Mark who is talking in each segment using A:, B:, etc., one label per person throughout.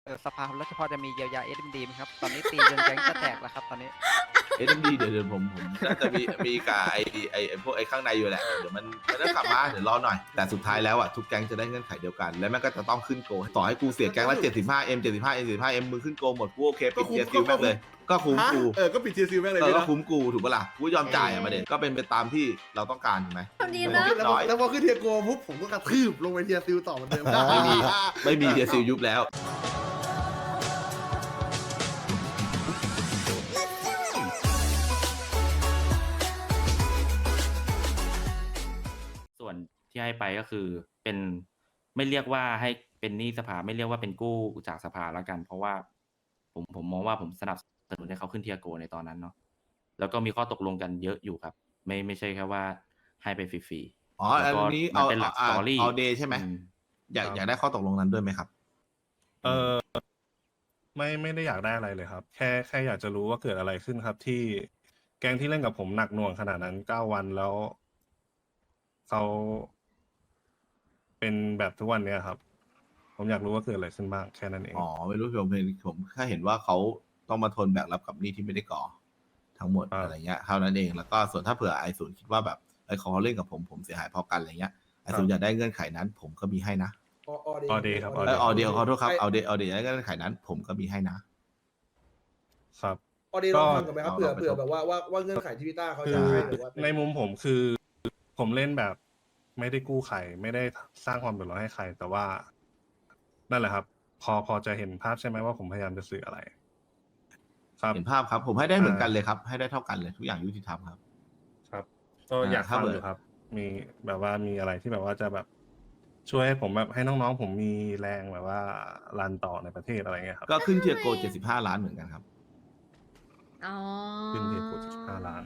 A: สภาแล้วเฉพาะจะมีเยียวยา SMD ไหมครับตอนนี้ตีจนแก๊งจะแตกแล้วครับตอนนี้
B: SMD เดี๋ยวผมน่าจะมีกับไอ้พวกไอ้ข้างในอยู่แหละเดี๋ยวมันต้องกลับมาเดี๋ยวรอหน่อยแต่สุดท้ายแล้วอ่ะทุกแก๊งจะได้เงื่อนไขเดียวกันและแม่งก็จะต้องขึ้นโกต่อให้กูเสียแก๊งละ 75M 75M 75M มึงขึ้นโกหมดกูโอเคปิดเทียร์ซิลแม่งเลยก็คุ้มกู
C: ก็ปิดเทียร์ซิลแม่งเลย
B: ก็
C: พี่นะ
B: คุ้มกูถูกปะล่ะกูยอมจ่ายอ่ะมาเด็ก็เป็นไปตามที่เราต้องการถูกไหม
D: ดีนะ
C: แล้วพอขึ้นเทียร์โกปุ๊บผมก็กระทืบลงไปเทียร์ซิลต่อเหมือนเดิม
B: ไม่มีเทียร์ซิลยุบแล้ว
E: ส่วนที่ให้ไปก็คือเป็นไม่เรียกว่าให้เป็นหนี้สภาไม่เรียกว่าเป็นกู้จากสภาแล้วกัน เพราะว่าผมมองว่าผมสนับสนุนให้เขาขึ้นเทียโกในตอนนั้นเนาะแล้วก็มีข้อตกลงกันเยอะอยู่ครับ ไม่ใช่แค่ว่าให้ไปฟรี
B: อ๋อ
E: ๆแล้วก็
B: อันนี้
E: มันเป็นหลักสตอรี่
B: เอาเดย์ใช่ไหมอยากได้ข้อตกลงนั้นด้วยไหมครับ
F: ไม่ได้อยากได้อะไรเลยครับ แค่อยากจะรู้ว่าเกิดอะไรขึ้นครับ ที่แก๊งที่เล่นกับผมหนักหน่วงขนาดนั้น9 วันแล้วเขาเป็นแบบทุกวันเนี้ยครับ ผมอยากรู้ว่าเกิดอะไรขึ้นบ้างแค่นั้นเอง
B: อ๋อไม่รู้ผมแค่เห็นว่าเขาต้องมาทนแบกรับกับหนี้ที่ไม่ได้ก่อทั้งหมด
F: ครับ
B: อะไรเงี้ยเท่านั้นเองแล้วก็ส่วนถ้าเผื่อไอศูนย์คิดว่าแบบไอเขาเล่นกับผมเสียหายพอกันอะไรเงี้ยไอศูนย์อยากได้เงื่อนไขนั้น ผมก็มีให้นะ
F: ออเดย์ครับ
B: ไอออเดียขอโทษครับเอาเดย์อยากได้เงื่อนไขนั้น ผมก็มีให้นะครับ
C: ออเดย์ลองฟังกันไหมครับ
B: ก็
C: เผื่อแบบว่าเงื่อนไขที่พี่ต้าเขา
F: คื
C: จะ
F: อ
C: ให้หรือว่า
F: ในมุมผมคือผมเล่นแบบไม่ได้กู้ใครไม่ได้สร้างความเดือดร้อนให้ใคร แต่ว่า นั่นแหละครับ พอจะเห็นภาพใช่ไหมว่าผมพยายามจะสื่ออะไร ครับ
B: เห็นภาพครับ ผมให้ได้เหมือนกันเลยครับ ให้ได้เท่ากันเลยทุกอย่างยุติธรรมครับ
F: ครับ ก็อยาก
B: ถ้า
F: ฟัง
B: เบื่อ
F: อยู่ครับ มีแบบว่ามีอะไรที่แบบว่าจะแบบช่วยให้ผมแบบให้น้องๆผมมีแรงแบบว่ารันต่อในประเทศอะไรเงี้ยครับ
B: ก็ขึ้นเทียร์โก75 ล้านเหมือนกันครับ
D: อ๋อ
F: ขึ้นเทียร์โก75 ล้าน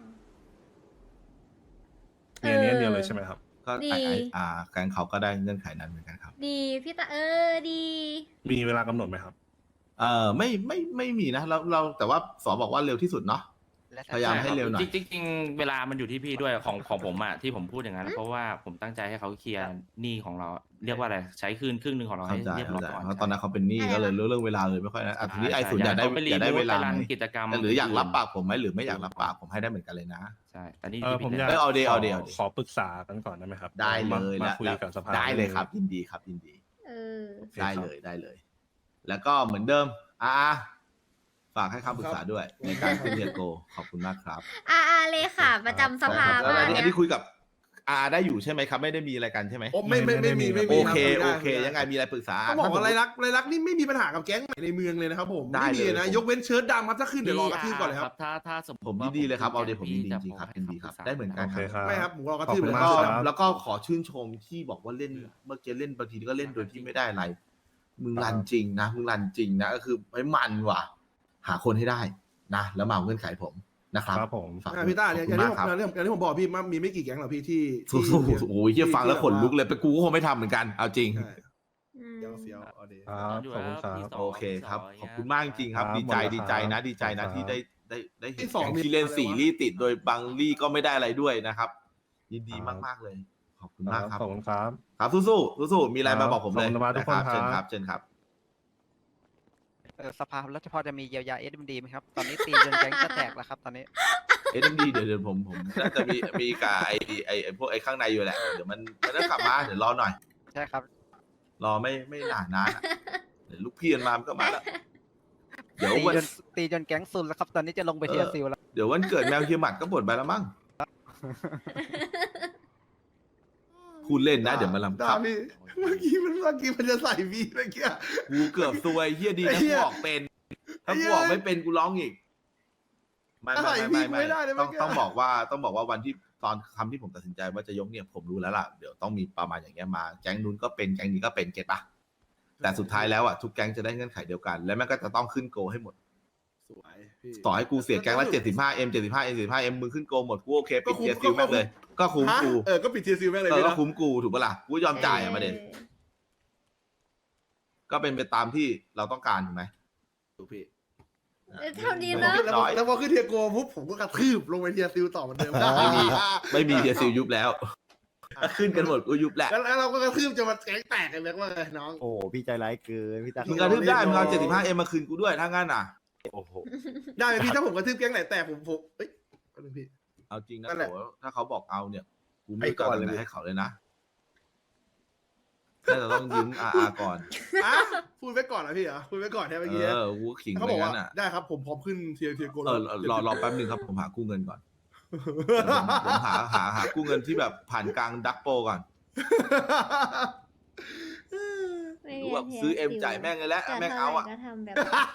F: มีอันนี้อันเดียวเลยใช่ไหมครับ
B: ก็แกงเขาก็ได้เงื่อนไขนั้นเหมือนกันครับ
D: ดีพี่ตาดี
F: มีเวลากำหนดไหมครับ
B: ไม่มีนะเราแต่ว่าสอบอกว่าเร็วที่สุดเนาะ พยายามให้เร็วหน่อย
E: จริงๆเวลามันอยู่ที่พี่ด้วยของผมอะที่ผมพูดอย่างนั้นเพราะว่าผมตั้งใจให้เขาเคลียร์หนี้ของเราเรียกว่าอะไรใช้คืนครึ่งหนึ่งของเราให้
B: เข้าใจ
E: เรียบร้อย
B: เข้าใจ
E: ก่อน
B: เพราะตอนนั้นเขาเป็นหนี้ก็เลยเรื่องเวลาเลยไม่ค่อยนะทีนี้ไอ
E: ใช่
B: ศูนย์อยากได้
E: ไปรี
B: อยากได้
E: มูฟ
B: เวลา
E: ไปรัน
B: ไหม
E: กิจกรรม
B: หรืออยากรับปากผมไหมหรือไม่อยากรับปากผมให้ได้เหมือนกันเลยนะ
E: ใช่แต่นี่
F: ผมอยาก
B: เอาเดย์
F: ขอปรึกษากันก่อนได้ไหมครับ
B: ได้เลย
F: มา
B: แล้ว
F: คุยกับสภา
B: ได้เลยครับยินดีครับยินดี
D: เออ
F: โอเค
B: ได้
F: ครับ
B: เลยได้เลย แล้วก็เหมือนเดิมฝากให้คำปรึกษาด้วยในการขึ้นเทียร์โกขอบคุณมากครับ
D: เลยค่ะ ประจำสภา
B: แล้ว
D: มา
B: อัน
D: ก
B: นี้คุยกับได้อยู่ใช่ไหมครับ ไม่ได้มีอะไรกันใช่ไหม
C: โอ้ไม่มี
B: โอเค
C: รับ
B: โอเค ยังไงมีอะไรปรึกษา
C: ต้องบอกว่าไรลักนี่ไม่มีปัญหากับแก๊งไหนในเมืองเลยนะครับผม
B: ได้
C: ไม่มี
B: เลย
C: นะยกเว้นเชิ้ตดำครับถ้าขึ้นเดี๋ยวรอกระทืบก่อนเลยครับ
E: ถ้าสมม
B: ผม
E: ติ
B: ยิ
E: ว่าน
B: ดีเลยครับเอาเดี๋ยวผม
E: พี่
B: ยินดี
E: จะ
B: จริงๆครับ
E: ให้
B: ยินดีครับ
E: ำปกษา
B: ได้เหมือนกัน
F: โอเคครับ
C: ไม่ครับผมรอกระ
F: ขอบ
C: ทืบ
F: คุ
C: เล
F: ณ
C: ย
F: มาก
C: ครับ
F: ครับ
B: แล้วก็ขอชื่นชมที่บอกว่าเล่นเมื่อกี้เล่นบางทีก็เล่นโดยที่ไม่ได้อะไร มึงรันจริงนะมึงรันจริงนะก็คือไอ้มันว่ะ หาคนให้ได้นะ แล้วมาเอาเงื่อนไขผมนะครับ
F: ครับผม
B: ฝาก
C: พี่ต้า
B: ข
C: เนี่
B: อย บ
C: อ
B: คุ
C: ย่าง
B: ณ
C: ที่
B: มากครับ
C: อย่างที่ผมบอกพี่มีไม่กี่แก๊งหรอกพี่ที่
B: สู้ๆโอ้ยเฮียฟังแล้วขนลุกเลยไปกูก็คงไม่ทำเหมือนกันเอาจริง
C: ใช่เฟี้ยวเอาดี
F: ครับ
E: อยู่
F: ขอบคุณ
E: แล้ว
F: ครับ
E: พี่สง
B: โอเคครับ
E: พี่สง
B: ขอบคุณมากจริงๆครับ
F: ครับ
B: ดีใจ
F: หมดแล้ว
B: ดีใจ
F: ครั
B: นะ
F: บ
B: ดีใจนะที่
F: ครับ
B: ได้เห็น
C: ที่สอง
B: แก๊ง
C: มี
B: ที่เล่น
C: อะไรวะ
B: สี่ลี่ติดโดยบางลี่ก็ไม่ได้อะไรด้วยนะครับ ยินดีมากๆเลย ขอบคุณมากครับ
F: ขอบคุณครับ
B: ครับสู้ๆสู้ๆมีอะไรมาบอกผมเลย
F: ขอบคุณมากทุกคน
B: นะ
F: ครับ
B: เชิญครับเชิญครับ
A: สภาแล้วเฉพาะจะมีเยียวยา SMD ไหมครับตอนนี้ตีจนแก๊งจะแตกแล้วครับตอนนี้
B: SMD เดี๋ยวผมน่าจะมีกับไอ้พวกไอ้ข้างในอยู่แหละเดี๋ยวมันต้องกลับมาเดี๋ยวรอหน่อย
A: ใช่ครับ
B: รอไม่นานอะเดี๋ยวลูกพี่มันมามันก็มาแล้วเดี๋ยววัน
A: ตีจนแก๊งซุนแล้วครับตอนนี้จะลงไปเทียร์ซิลแล้ว
B: เดี๋ยววันเกิดแมวเฮียหมัดก็บ่นไปแล้วมั้งพูดเล่นนะเดี๋ยวมาลำ
C: ต้า
B: ครับ
C: พี่เมื่อกี้มันจะใส่พี่เมื่อกี้
B: กูเกือบซวยเฮียดี
C: ไอ้
B: นะ
C: เหี้
B: กู
C: ย
B: ออกเป็นถ้ากูออกไม่เป็นกูร้องอีกไม่
C: อะไรพี่กูไม่ได้เลย
B: ต้อง
C: เมื่อกี้
B: ต้องบอกว่าวันที่ตอนคำที่ผมตัดสินใจว่าจะยกเนี่ยผมรู้แล้วล่ะเดี๋ยวต้องมีประมาณอย่างเงี้ยมาแก๊งนู้นก็เป็นแก๊งนี้ก็เป็นเก็ตปะแต่สุดท้ายแล้วอ่ะทุกแก๊งจะได้เงื่อนไขเดียวกัน และแม่งก็จะต้องขึ้นโกให้หมด
C: สวยพี่
B: ต่อให้กูเสียแก๊งละ 75M 75M 75M มึงขึ้นโกหมดกูโอเคปิดเทียร์ซิลแม่งเลย ก็คุ้มกู
C: ก็ปิดเทียร์ซิลแม่งเลย
B: เออ
C: พี่
B: ก็
C: นะ
B: คุ้มกูถูกปะล่ะกูยอมจ่ายอ่ะมาเด็ก็เป็นไปตามที่เราต้องการถูกไหม
C: ถูกพี่
D: เท่านี้นะ
C: แล้วพอขึ้นเทียร์โกปุ๊บผมก็กระทืบลงไปเทียร์ซิลต่อเหมือนเดิม
B: ไม่มีเทียร์ซิลยุบแล้วก็ขึ้นกันหมดกูยุบแหละ
C: แล้วเราก็กระทืบจะมาแก๊งแตกกันเลยว่าไงน้อง
G: โอ้โหพี่ใจร้ายเกินพี่ตา
B: มึงกระทืบได้มึงเอา75Mมาคืนกูด้วยถ้างั้นอ่ะ
G: โอ้โห
C: ได้ไหมพี่ถ้าผมกระทืบแก๊งไหนแตกผมเอ้ยก็เลยพี่
B: เอาจริงนะ
C: นั่นแหละ
B: โถถ้าเขาบอกเอาเนี่ยกูไม่
C: ไปก่
B: ก่
C: อ
B: อน น
C: เลย
B: เลยให้เขาเลยนะน่าจะต้องยืมก่อน
C: อ่ะพูดไว้ก่อนนะพี่เหรอพูดไว้ก่อนใช่ไหมเมื่อกี้
B: กูขิง
C: เขา
B: ไป
C: บอกว่า
B: งั้นอ่ะ
C: ได้ครับผมพร้อมขึ้นเทียโก
B: รอแป๊บนึงครับผมหากู้เงินก่อนเดี๋ยวผมหากู้เงินที่แบบผ่านกลางดักโปก่อน
D: ไม่
B: รู้
D: มี
B: แบบซื้อเอ็มจ่ายแม่งเลยแหละ
D: จะ
B: แม่ง
D: เท่า
B: เอา
D: ไหร่
B: อ่ะ
D: ก็ทำแบบ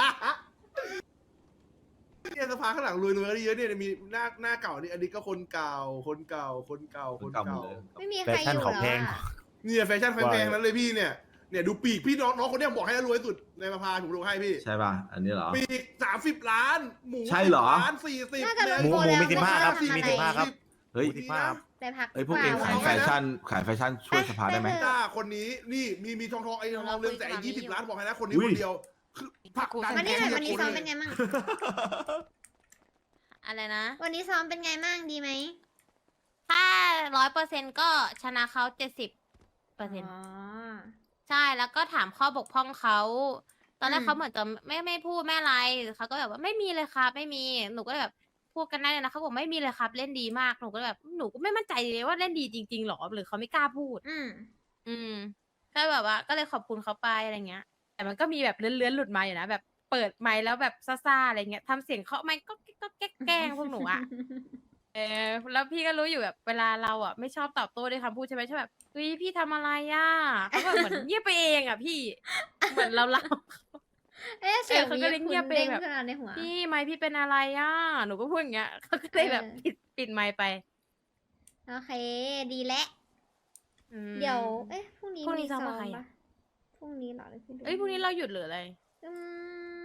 C: เนี่ยสภาข้างหลังรวยๆเยอะเนี่ยมีหน้าเก่านี่อันนี้ก็คนเก่าคนเก่า
B: คนเก่าหมดเลย
D: ไม่มีใครอยู่แล้วอะ
C: เนี่ยแฟชั่นแพงๆนั้นเลยพี่เนี่ยดูปีกพี่น้องคนเนี้ยบอกให้รวยสุดในสภาผมดูให้พี่
B: ใช่ป่ะอันนี้เหรอ
C: ปีก30 ล้านหมู
B: ใช่เหรอ
C: 10 ล้าน40
D: น่าจะลง
G: หมู
D: โก
G: หมู
D: แล้ว
G: มี15ครับ
D: ไ
G: มี15ครับ
B: เฮ้ย
G: ที่ภาพ
D: ไปพัก
B: เอ้ยพวกเองขายแฟชั่นช่วยสภาได้ไหม
C: จ้าคนนี้นี่มีทองไอ้ทองเรืองแสง20 ล้านบอกให้นะคนนี้
B: อุ้
C: ค
B: ย
C: นเดียวคือผักดัน
D: วันนี้หน่อยวันนี้ซ้อมเป็นไงมั่ง
H: อะไรนะ
D: วันนี้ซ้อมเป็นไงมั่งดีไหม
H: ถ้า100%ก็ชนะเขา70%ใช่แล้วก็ถามข้อบกพร่องเขาตอนแรกเขาเหมือนจะไม่พูดไม่อะไรเขาก็แบบว่าไม่มีเลยครับไม่มีหนูก็แบบพูดกันได้เลยนะเขาบอกไม่มีเลยครับเล่นดีมากหนูก็แบบหนูก็ไม่มั่นใจเลยว่าเล่นดีจริงๆหรอหรือเขาไม่กล้าพูด อืมก็แบบว่าก็เลยขอบคุณเขาไปอะไรเงี้ย แต่มันก็มีแบบเลื้อนๆหลุดมาอยู่นะแบบเปิดไมค์แล้วแบบซ่าๆอะไรเงี้ยทำเสียงเคาะไมค์ก็แกล้งพวกหนูอะแล้วพี่ก็รู้อยู่แบบเวลาเราอ่ะไม่ชอบตอบโต้ด้วยคำพูดใช่ไหมใช่แบบเฮ้ยพี่ทำอะไรอ่ะเขาแบบเหมือนเงียบไปเองอ่ะพี่เหมือนเรา
D: เอ๊ะเสียง
H: เขาก็เลยเงียบไป
D: เด้ง
H: แบบ
D: ขึ้นมาในหัว
H: พี่ไมค์พี่เป็นอะไรอ่ะหนูก็พูดอย่างเงี้ยเขาก็เลยแบบปิดไมค์ไป
D: โอเค ดีแล้ว
H: อืม
D: เดี๋ยว เอ๊ะพรุ่งนี้
H: พรุ่งนี้
D: มี
H: ซ้อมกับใครอะ
D: ปะพรุ่งนี้เหรอหรือพี่ดู
H: เอ้ยพรุ่งนี้เราหยุดหรืออะไร
D: อืม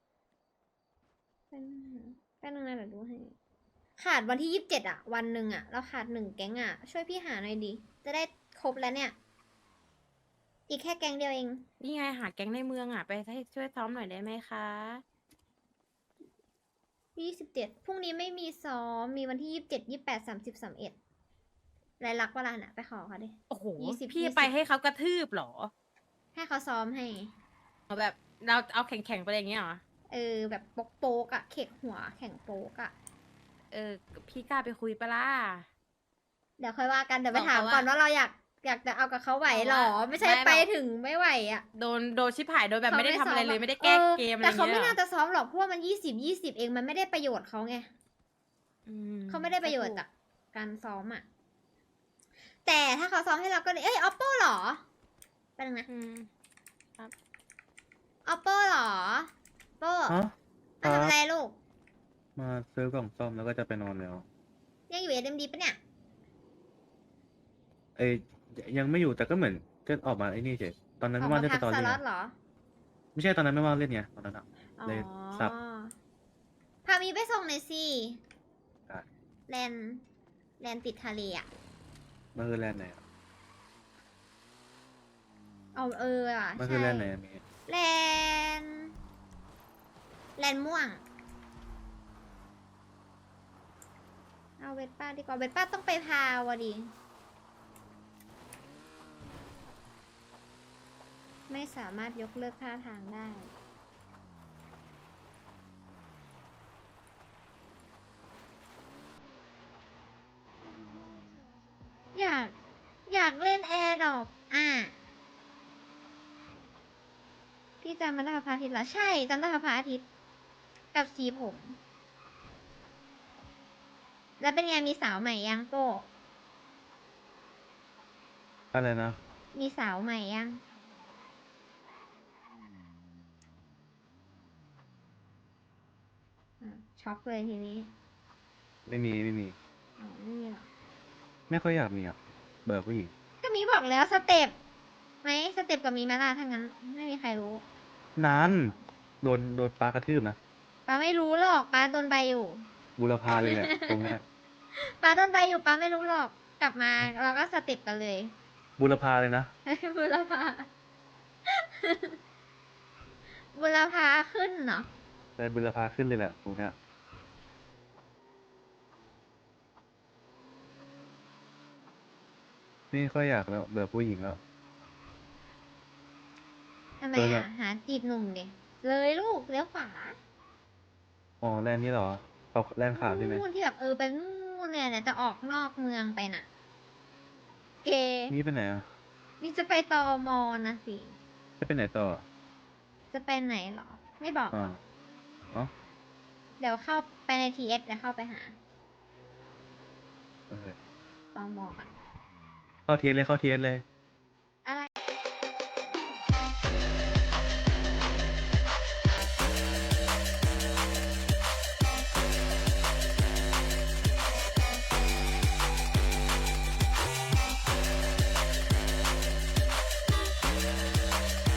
D: แป๊บนึงนะเดี๋ยวดูให้ ขาดวันที่27อะวันหนึ่งอะเราขาด1แก๊งอะช่วยพี่หาหน่อยดิ จะได้ครบแล้วเนี่ย อีกแค่แก๊งเดียวเอง
H: นี่ไงหาแก๊งในเมืองอ่ะไปให้ช่วยซ้อมหน่อยได้ไหมคะ
D: 27พรุ่งนี้ไม่มีซ้อม มีวันที่27 28 30 31รายลักษณ์เวลาน่ะ ไปขอเขาดิ
H: โอ้โห
D: 20
H: พี่
D: 20
H: ไปให้เขากระทืบเหรอ
D: ให้เขาซ้อมให้
H: เอาแบบเราเอาแข่งๆไปอย่างเงี้ยเหรอ
D: แบบโป๊กๆอะเขกหัวแข่งโป๊กอะ
H: พี่กล้าไปคุยปะล่ะ
D: เดี๋ยวค่อยว่ากัน เดี๋ยวไป
H: บอก
D: ถาม
H: เขาว่า
D: ก่อนว่าเราอยากจะเอากับเขาไหวหรอ
H: บอกว่า
D: ไม่ใช่
H: ไม่
D: ไป
H: บอก
D: ถึงไม่ไหวอะ
H: โดนชิบหายโดยแบบไม่ได้ทำอะไรเลยไม่ได้แก้เกมอะไร
D: แต่
H: เงี้ย
D: เขาไม่น่าจะซ้อมหรอกเพราะว่ามัน20 เองมันไม่ได้ประโยชน์เขาไง
H: อื
D: เขาไม่ได้ประโยชน์จากการซ้อมอะแต่ถ้าเขาซ้อมให้เราก็เลยเอ้ย oppo หรอเป็นไงนะ
H: อืม
D: oppo หรอ oppo
I: ฮะ
D: มาทำอะไรลูก
I: มาซื้อกล่องซ่อมแล้วก็จะไปนอนแล้ว
D: ยังอยู่ SMD ปะเนี่ย
I: เอ้ยยังไม่อยู่แต่ก็เหมือนก็ออกมาไอ้นี่เฉยตอนนั้นไม่ว่างเล่น
D: พั
I: สตอ
D: ส
I: รี่
D: ล็อต
I: ไง
D: เหรอ
I: ไม่ใช่ตอนนั้นไม่ว่างเล่นไงตอนนั้นอะ
D: อ๋อ
I: เลยสับ
D: พามีไปส่งหน่อยสิ
I: ได้
D: แลนติดทะเลอะ
I: มันคือแลนด์ไหนอะ
D: เอาอะ
I: มันคือ
D: ใช่
I: แลนด์ไหนอะมี
D: แลนม่วง เอาเวทป้าดีกว่าเวทป้าต้องไปพาวะดิ ไม่สามารถยกเลิกท่าทางได้ อยากเล่นแอร์ดรอปพี่จำมันได้กับพระอาทิตย์เหรอ ใช่จำได้กับพระอาทิตย์ กับสีผม แล้วเป็นไงมีสาวใหม่ยังโก้
I: อะไรนะ
D: มีสาวใหม่ยังช็อกเลยทีนี้
I: ไม่มีไม่มี
D: อ๋อไม่มีหรอ
I: ไม่ค่อยอยากมีอ่ะเบื่อผู้หญิง
D: ก็มีบอกแล้วสเต็ปไหมสเต็ปกับมีไหมล่ะถ้างั้น ไม่มีใครรู้
I: นานโดนปลากระทืบนะ
D: ป้าไม่รู้หรอกป้าโดนใบอยู่
I: บุรพาเลยแหละ ตรงเนี้ย
D: ป้าโดนใบอยู่ป้าไม่รู้หรอก กลับมาเราก็สเต็ปกันเลย
I: บุรพาเลยนะ
D: บุรพา บุรพาขึ้นเนาะ
I: แต่บุรพาขึ้นเลยแหละตรงเนี้ยไม่ค่อยอยากแล้วเบื่อผู้หญิงแล้ว
D: ทำไม
I: เออ
D: อ่ะ หาจีบหนุ่มดิเลยลูกเลี้ยวขวา
I: อ๋อแลนด์นี้เหรอเขาแลนด์ขาวใช่ไหม
D: นู่นที่แบบไปนู่นเนี่ยจะออกนอกเมืองไปน่ะ เก
I: นี่ไปไหนอ่ะ
D: นี่จะไปตอมอนะสิ
I: จะไปไหนต่อ
D: จะไปไหนเหรอ ไม่บอก
I: อ๋ออ๋อ
D: เดี๋ยวเข้าไปในทีเอสเดี๋ยวเข้าไปหา
I: โอเค
D: ตอมอก่อน
I: เข้าเทียนเลยเข้าเทียนเลย